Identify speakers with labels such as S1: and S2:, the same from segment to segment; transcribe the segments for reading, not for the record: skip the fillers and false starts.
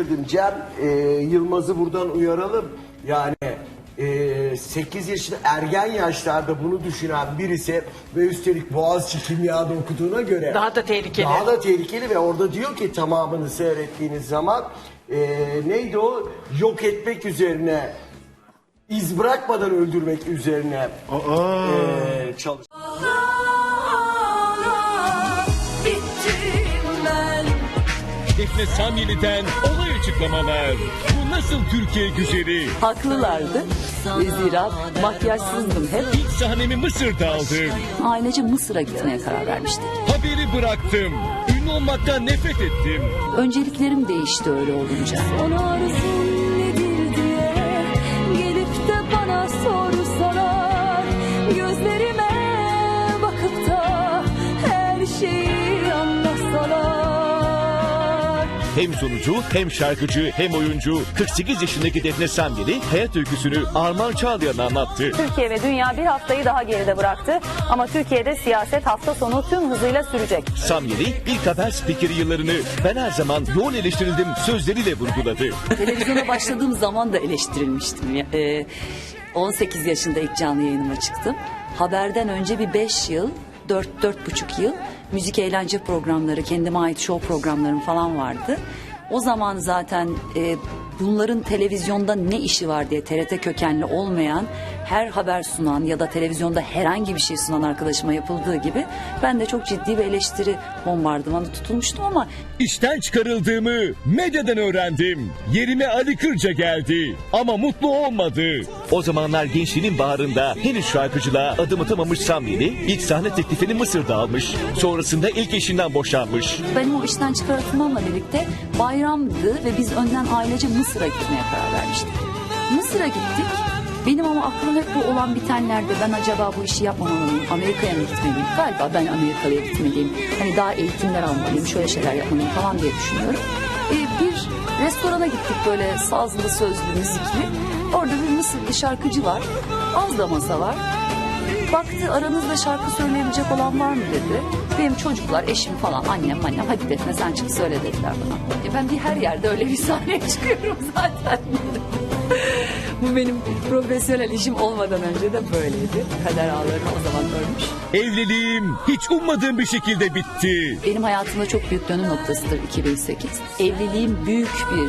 S1: girdim. Cem Yılmaz'ı buradan uyaralım. Yani 8 yaşında ergen yaşlarda bunu düşünen birisi ve üstelik Boğaziçi Kimya'da okuduğuna göre
S2: daha da tehlikeli.
S1: Daha da tehlikeli ve orada diyor ki tamamını seyrettiğiniz zaman neydi o? Yok etmek üzerine, iz bırakmadan öldürmek üzerine çalış.
S3: Defne Samyeli'den olay açıklamalar. Bu nasıl Türkiye güzeli?
S4: Haklılardı. Zira makyajsızdım hep.
S3: İlk sahnemi Mısır'da aldım.
S4: Ailece Mısır'a gitmeye karar vermiştik.
S3: Haberi bıraktım. Ünlü olmaktan nefret ettim.
S4: Önceliklerim değişti öyle olunca.
S5: Ona arzun nedir diye gelip de bana sorsalar, gözlerime bakıp da her şeyi anlatsalar.
S3: Hem sunucu, hem şarkıcı, hem oyuncu 48 yaşındaki Defne Samyeli hayat öyküsünü Armağan Çağlayan'a anlattı.
S6: Türkiye ve dünya bir haftayı daha geride bıraktı. Ama Türkiye'de siyaset hafta sonu tüm hızıyla sürecek.
S3: Samyeli ilk haber spikeri yıllarını ben her zaman yoğun eleştirildim sözleriyle vurguladı.
S4: Televizyona başladığım zaman da eleştirilmiştim. 18 yaşında ilk canlı yayınıma çıktım. Haberden önce bir 5 yıl, 4,5 yıl müzik eğlence programları, kendime ait show programlarım falan vardı. O zaman zaten bunların televizyonda ne işi var diye TRT kökenli olmayan her haber sunan ya da televizyonda herhangi bir şey sunan arkadaşıma yapıldığı gibi ben de çok ciddi bir eleştiri bombardımanı tutulmuştum ama
S3: İşten çıkarıldığımı medyadan öğrendim. Yerime Ali Kırca geldi ama mutlu olmadı. O zamanlar gençliğinin baharında henüz şarkıcılığa adım atamamış Samyeli ilk sahne teklifini Mısır'da almış. Sonrasında ilk eşinden boşanmış.
S4: benim o işten çıkartılmamla birlikte bayramdı ve biz önden ailece Mısır'a gitmeye karar vermiştik. Mısır'a gittik. Benim ama aklım hep bu olan bitenlerde ben acaba bu işi yapmamalıyım, Amerika'ya mı gitmeliyim? Galiba ben Amerika'ya gitmeliyim. Hani daha eğitimler almalıyım, şöyle şeyler yapmalıyım falan diye düşünüyorum. Bir restorana gittik böyle sazlı, sözlü, müzikli. Orada bir Mısırlı şarkıcı var. Az da masa var. Baktı aranızda şarkı söyleyebilecek olan var mı dedi. Benim çocuklar, eşim falan, annem hadi Defne sen çık söyle dediler bana. Ben bir her yerde öyle bir sahneye çıkıyorum zaten. Bu benim profesyonel işim olmadan önce de böyleydi. Kader ağlarını o zaman örmüş.
S3: Evliliğim hiç ummadığım bir şekilde bitti.
S4: Benim hayatımda çok büyük dönüm noktasıdır 2008. Evliliğim büyük bir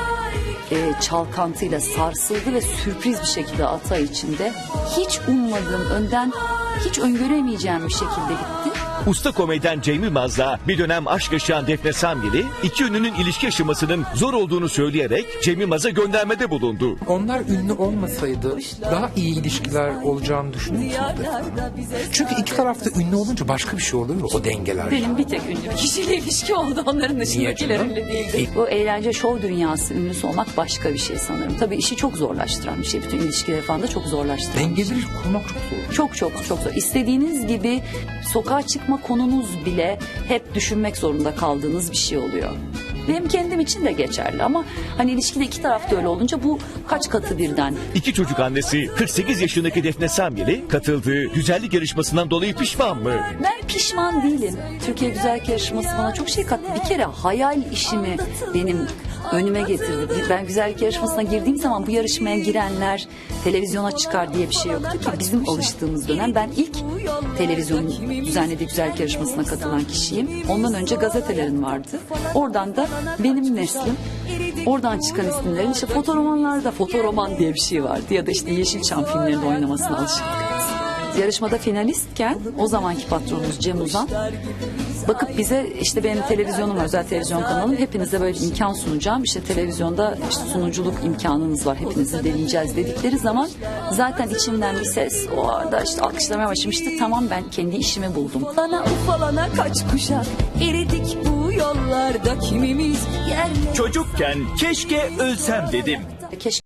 S4: çalkantıyla sarsıldı ve sürpriz bir şekilde 6 ay içinde hiç ummadığım, önden hiç öngöremeyeceğim bir şekilde bitti.
S3: Usta komedyen Cem Yılmaz'la bir dönem aşk yaşayan Defne Samyeli iki ünlünün ilişki yaşamasının zor olduğunu söyleyerek Cem Yılmaz'a göndermede bulundu.
S7: Onlar ünlü olmasaydı daha iyi ilişkiler olacağını düşünüyorum. Çünkü iki tarafta ünlü olunca başka bir şey oluyor o dengeler.
S4: Benim bir tek ünlü bir kişiyle ilişki oldu. Onların dışındakiler
S7: canım?
S4: ünlü değildi. Bu eğlence şov dünyası ünlüsü olmak başka bir şey sanırım. Tabii işi çok zorlaştıran bir şey. Bütün ilişkileri falan da çok zorlaştıran bir şey.
S7: Dengeleri kurmak çok zor.
S4: Çok zor. İstediğiniz gibi sokağa çıkma konunuz bile hep düşünmek zorunda kaldığınız bir şey oluyor. Benim kendim için de geçerli ama hani ilişkide iki tarafta öyle olunca bu kaç katı birden.
S3: İki çocuk annesi 48 yaşındaki Defne Samyeli katıldığı güzellik yarışmasından dolayı pişman mı?
S4: Ben pişman değilim. Türkiye Güzellik Yarışması bana çok şey kattı. Bir kere hayal işimi benim önüme getirdi. Ben güzellik yarışmasına girdiğim zaman bu yarışmaya girenler televizyona çıkar diye bir şey yoktu ki. Bizim alıştığımız dönem ben ilk televizyonun düzenlediği güzellik yarışmasına katılan kişiyim. Ondan önce gazetelerin vardı. Oradan da benim neslim, oradan çıkan isimlerin işte fotoromanlarda fotoroman diye bir şey vardı ya da işte Yeşilçam filmlerinde oynamasına alışıktık. Yarışmada finalistken o zamanki patronumuz Cem Uzan bakıp bize işte benim televizyonum var, özel televizyon kanalım, hepinize böyle bir imkan sunacağım. İşte televizyonda işte sunuculuk imkanınız var, hepinizi deneyeceğiz dedikleri zaman zaten içimden bir ses o arada işte alkışlamaya başlamıştı. Tamam ben kendi işimi buldum.
S5: Bana ufalana kaç kuşak eridik bu yollarda kimimiz yerle.
S8: Çocukken keşke ölsem dedim.
S4: Keşke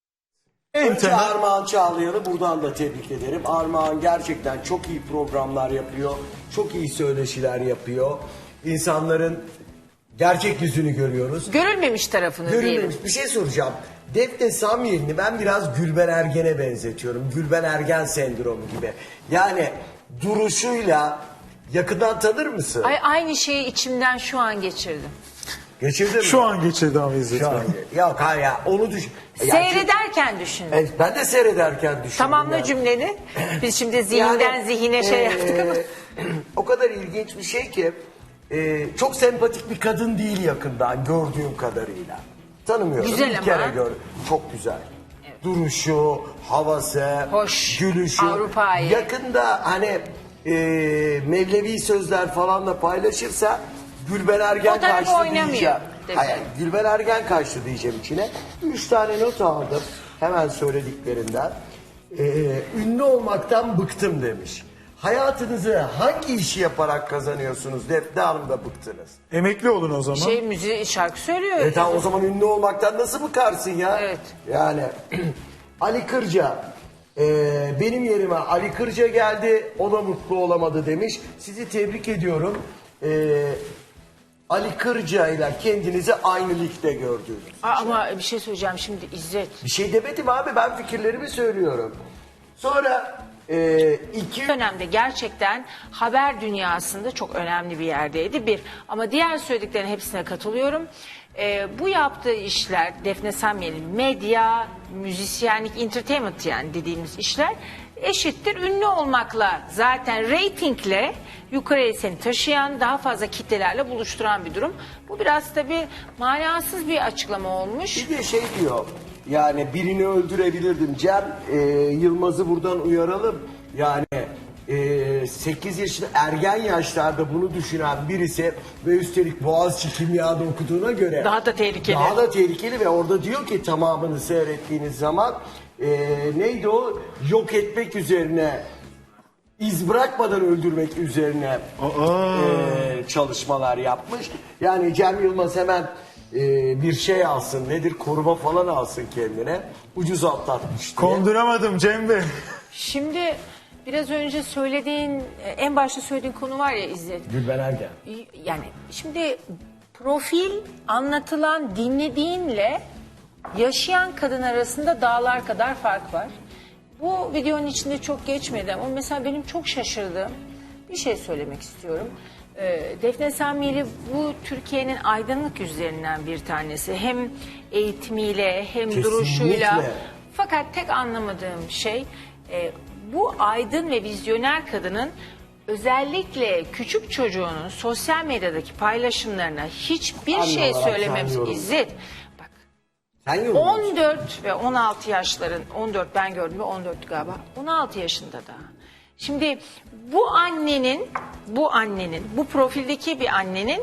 S1: Önce Armağan Çağlayan'ı buradan da tebrik ederim. Armağan gerçekten çok iyi programlar yapıyor. Çok iyi söyleşiler yapıyor. İnsanların gerçek yüzünü görüyoruz.
S2: Görülmemiş tarafını diyelim.
S1: Görülmemiş. Bir şey soracağım. Defne Samyeli'ni ben biraz Gülben Ergen'e benzetiyorum. Gülben Ergen sendromu gibi. Yani duruşuyla yakından tanır mısın?
S2: Ay, aynı şeyi içimden şu an geçirdim.
S1: Geçirdin mi?
S2: Şu an geçirdi ama İzzet
S1: Şu an.
S2: Bey.
S1: Yok hayır ya onu düşün. Yani
S9: Seyrederken düşündüm.
S1: Evet, ben de seyrederken düşündüm.
S9: Tamamla
S1: yani.
S9: cümleni. Biz şimdi zihinden
S1: Yani,
S9: zihine şey yaptık ama.
S1: O kadar ilginç bir şey ki çok sempatik bir kadın değil yakından gördüğüm kadarıyla. Tanımıyorum.
S9: Güzel
S1: bir
S9: ama.
S1: kere gördüm. Çok güzel. Duruşu, havası,
S9: Hoş.
S1: gülüşü.
S9: Avrupa'yı.
S1: Yakında hani Mevlevi sözler falan da paylaşırsa Gülben Ergen
S9: Fotoğrafı
S1: kaçtı
S9: oynamıyor,
S1: diyeceğim.
S9: dedi.
S1: Hayır, Gülben Ergen kaçtı diyeceğim içine. 3 tane not aldım hemen söylediklerinden. Ünlü olmaktan bıktım demiş. Hayatınızı hangi işi yaparak kazanıyorsunuz? Defne Hanım da bıktınız.
S2: Emekli olun o zaman.
S9: Müziği şarkı söylüyor.
S1: Tamam o zaman ünlü olmaktan nasıl bıkarsın ya?
S9: Evet.
S1: Yani Ali Kırca benim yerime Ali Kırca geldi o da mutlu olamadı demiş. Sizi tebrik ediyorum. Ali Kırca ile kendinizi aynı ligde gördünüz.
S9: Ama bir şey söyleyeceğim şimdi İzzet.
S1: Bir şey demedim abi ben fikirlerimi söylüyorum. Sonra iki
S9: Dönemde gerçekten haber dünyasında çok önemli bir yerdeydi bir. Ama diğer söylediklerin hepsine katılıyorum. Bu yaptığı işler Defne Samyel'in medya, müzisyenlik, entertainment yani dediğimiz işler eşittir ünlü olmakla zaten reytingle yukarıya seni taşıyan daha fazla kitlelerle buluşturan bir durum. Bu biraz tabii manasız bir açıklama olmuş.
S1: Bir de şey diyor yani birini öldürebilirdim. Cem Yılmaz'ı buradan uyaralım. Yani 8 yaşında ergen yaşlarda bunu düşünen birisi ve üstelik Boğaziçi Kimya'da okuduğuna göre
S9: Daha da tehlikeli.
S1: Daha da tehlikeli ve orada diyor ki tamamını seyrettiğiniz zaman neydi o? Yok etmek üzerine iz bırakmadan öldürmek üzerine çalışmalar yapmış. Yani Cem Yılmaz hemen bir şey alsın nedir koruma falan alsın kendine ucuz atlatmış diye.
S2: Konduramadım Cem Bey.
S9: Şimdi biraz önce söylediğin, en başta söylediğin konu var ya İzzet.
S1: Gülben Ergen.
S9: Yani şimdi profil anlatılan, dinlediğinle yaşayan kadın arasında dağlar kadar fark var. Bu videonun içinde çok geçmedi ama mesela benim çok şaşırdığım bir şey söylemek istiyorum. Defne Samyeli bu Türkiye'nin aydınlık yüzlerinden bir tanesi. Hem eğitimiyle hem
S1: Kesinlikle.
S9: duruşuyla. Fakat tek anlamadığım şey bu aydın ve vizyoner kadının özellikle küçük çocuğunun sosyal medyadaki paylaşımlarına hiçbir
S1: Anne
S9: şey
S1: olarak sen
S9: söylememiş.
S1: yorumla.
S9: İzzet bak
S1: Sen yorumluyorsun.
S9: 14 ve 16 yaşların 14 ben gördüm ve 14 galiba 16 yaşında da. Şimdi bu annenin bu profildeki bir annenin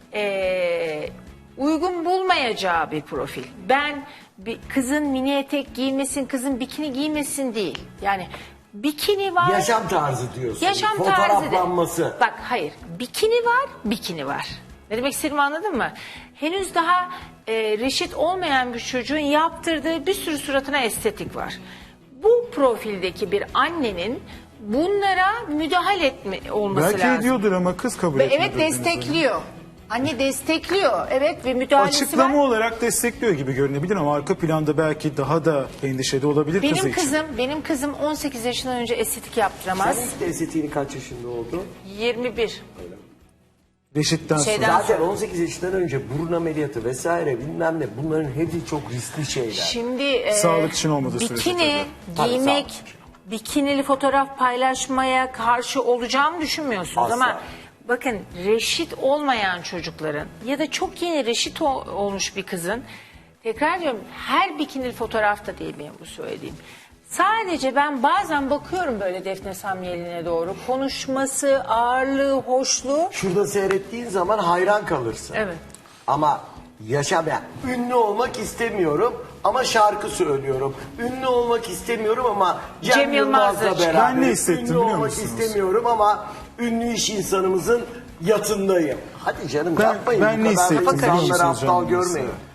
S9: uygun bulmayacağı bir profil. Ben bir kızın mini etek giymesin, kızın bikini giymesin değil. Yani bikini var.
S1: Yaşam tarzı diyorsun.
S9: Yaşam tarzı.
S1: Fotoğraflanması.
S9: Bak hayır. Bikini var. Ne demek istediğimi anladın mı? Henüz daha reşit olmayan bir çocuğun yaptırdığı bir sürü suratına estetik var. Bu profildeki bir annenin bunlara müdahale olması
S2: Belki
S9: lazım.
S2: ediyordur ama kız kabul
S9: Ve
S2: etmiyor.
S9: evet destekliyor. Anne destekliyor. Evet ve müdahalesi
S2: Açıklama
S9: var.
S2: olarak destekliyor gibi görünebilir ama arka planda belki daha da endişeli olabilir kızı için.
S9: Benim kızım 18 yaşından önce estetik yaptıramaz.
S1: Sen ilk estetiğini kaç yaşında oldu?
S9: 21.
S2: Reşit'ten
S9: Şeyden-
S2: sonra.
S1: Zaten 18 yaşından önce burun ameliyatı vesaire bilmem ne bunların hepsi çok riskli şeyler.
S9: Şimdi
S2: Sağlık için olmadığı sürece
S9: bikini
S1: tabii.
S9: giymek,
S1: Tabii, sağlık
S9: bikinili fotoğraf paylaşmaya karşı olacağımı düşünmüyorsunuz
S1: Asla.
S9: ama bakın reşit olmayan çocukların ya da çok yeni reşit olmuş bir kızın tekrar diyorum her bikinili fotoğraf da değil benim bu söylediğim. Sadece ben bazen bakıyorum böyle Defne Samyeli'ne doğru. Konuşması, ağırlığı, hoşluğu.
S1: Şurada seyrettiğin zaman hayran kalırsın.
S9: Evet.
S1: Ama ünlü olmak istemiyorum ama şarkı söylüyorum. Ünlü olmak istemiyorum ama Cem Yılmaz'la
S9: Yılmaz'la
S1: beraber.
S2: Ben ne hissettim
S1: Ünlü
S2: biliyor
S1: olmak
S2: musunuz?
S1: istemiyorum ama ünlü iş insanımızın yatındayım. Hadi canım
S2: Ben
S1: yapmayın
S2: ne
S1: bu kadar da
S2: hissettim biliyor
S1: insanları
S2: musunuz
S1: aptal
S2: canım
S1: görmeyin.
S2: mesela?